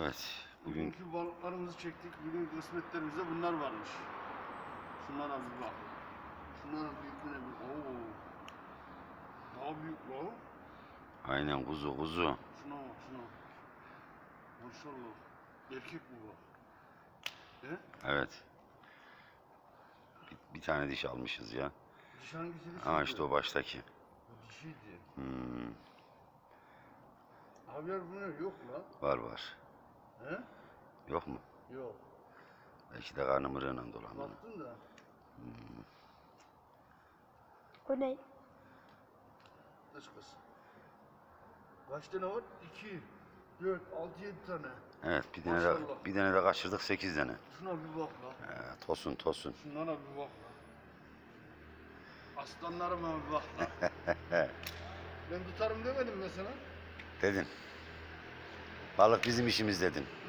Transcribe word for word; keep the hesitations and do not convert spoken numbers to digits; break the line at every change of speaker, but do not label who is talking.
Evet. Bugün
Bugünkü balıklarımızı çektik. Bugün kısmetlerimizde bunlar varmış. Şunlara bir bak. Şunların büyüklüğüne bir. Oo. Daha büyük la.
aynen kuzu kuzu.
Şuna bak şuna. Maşallah. Erkek bu bak. He?
Evet. Bir, bir tane diş almışız ya.
Dişi hangisi dişiydi?
Ha işte o baştaki.
Bu dişiydi.
Hmm,
Haber bu ne? Yok la.
var var.
He?
Yok mu?
Yok.
Belki de karnı mırığıyla dolandı.
Baktın da.
O ne?
Kaç kız? Kaç tane var? iki, dört, altı, yedi tane.
Evet bir tane de,
Maşallah.
bir tane de kaçırdık sekiz tane.
Şuna bir bak la.
Ee, tosun tosun.
Şunlara bir bak la. Aslanlarıma bir bak la. Ben tutarım demedim mi sana?
Dedin. Balık bizim işimiz dedin.